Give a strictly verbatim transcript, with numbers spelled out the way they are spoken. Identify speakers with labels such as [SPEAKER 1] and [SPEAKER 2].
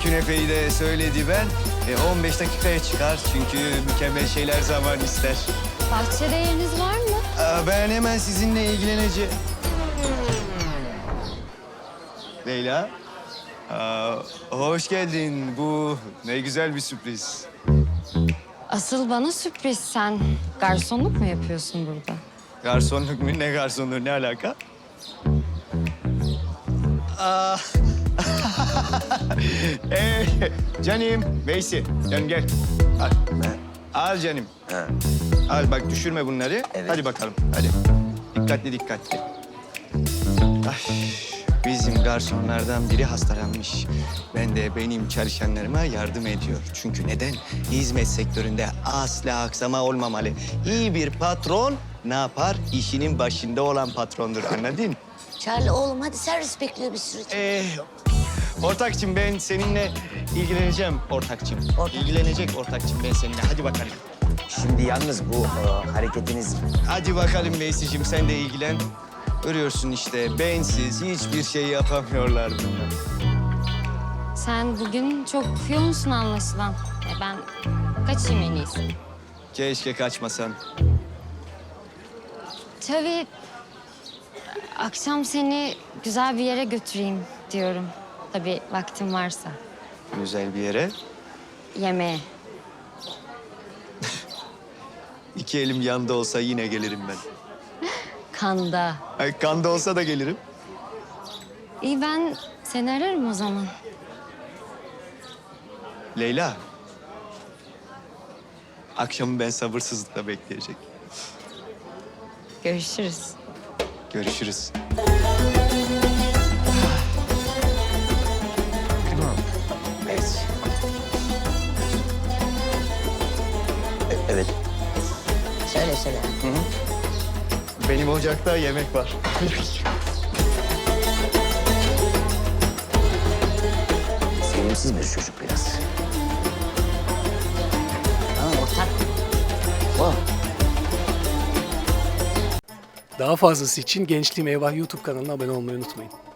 [SPEAKER 1] künefeyi de söyledi ben. E, on beş dakikaya çıkar çünkü mükemmel şeyler zaman ister.
[SPEAKER 2] Bahçede yeriniz var mı?
[SPEAKER 1] Aa, ben hemen sizinle ilgileneceğim. Leyla, aa, hoş geldin. Bu ne güzel bir sürpriz.
[SPEAKER 2] Asıl bana sürpriz. Sen garsonluk mu yapıyorsun burada?
[SPEAKER 1] Garsonluk mu? Ne garsonluğu? Ne alaka? Aa, ee, canım, Veysi, canım gel. Al, al canım.
[SPEAKER 3] Ha.
[SPEAKER 1] Al bak düşürme bunları.
[SPEAKER 3] Evet.
[SPEAKER 1] Hadi bakalım, hadi. Dikkatli dikkatli. Ay, bizim garsonlardan biri hastalanmış. Ben de benim çalışanlarıma yardım ediyor. Çünkü neden? Hizmet sektöründe asla aksama olmamalı. İyi bir patron ne yapar? İşinin başında olan patrondur, anladın?
[SPEAKER 4] Charlie oğlum hadi servis bekliyor bir sürü.
[SPEAKER 1] Ee, ortakçım ben seninle ilgileneceğim ortakçım.
[SPEAKER 4] Ortak.
[SPEAKER 1] İlgilenecek ortakçım ben seninle. Hadi bakalım.
[SPEAKER 3] Şimdi yalnız bu e, hareketiniz
[SPEAKER 1] Hadi bakalım Veysi'cim sen de ilgilen. Görüyorsun işte bensiz hiçbir şey yapamıyorlar bunlar.
[SPEAKER 2] Sen bugün çok yoğunsun anlaşılan. E ben kaçayım en iyisi.
[SPEAKER 1] Keşke kaçmasan.
[SPEAKER 2] Tabii akşam seni güzel bir yere götüreyim diyorum. Tabii vaktim varsa.
[SPEAKER 1] Güzel bir yere.
[SPEAKER 2] Yemeğe.
[SPEAKER 1] İki elim yanda olsa yine gelirim ben.
[SPEAKER 2] Kanda.
[SPEAKER 1] Ay, kanda olsa da gelirim.
[SPEAKER 2] İyi ben seni ararım o zaman.
[SPEAKER 1] Leyla. Akşamı ben sabırsızlıkla bekleyecek.
[SPEAKER 2] Görüşürüz.
[SPEAKER 1] Görüşürüz.
[SPEAKER 3] evet. E- evet.
[SPEAKER 4] Söyle söyle.
[SPEAKER 1] Benim ocakta yemek var.
[SPEAKER 3] Sevimsiz bir çocuk biraz.
[SPEAKER 4] Tamam ortak.
[SPEAKER 3] Oh.
[SPEAKER 5] Daha fazlası için Gençliğim Eyvah YouTube kanalına abone olmayı unutmayın.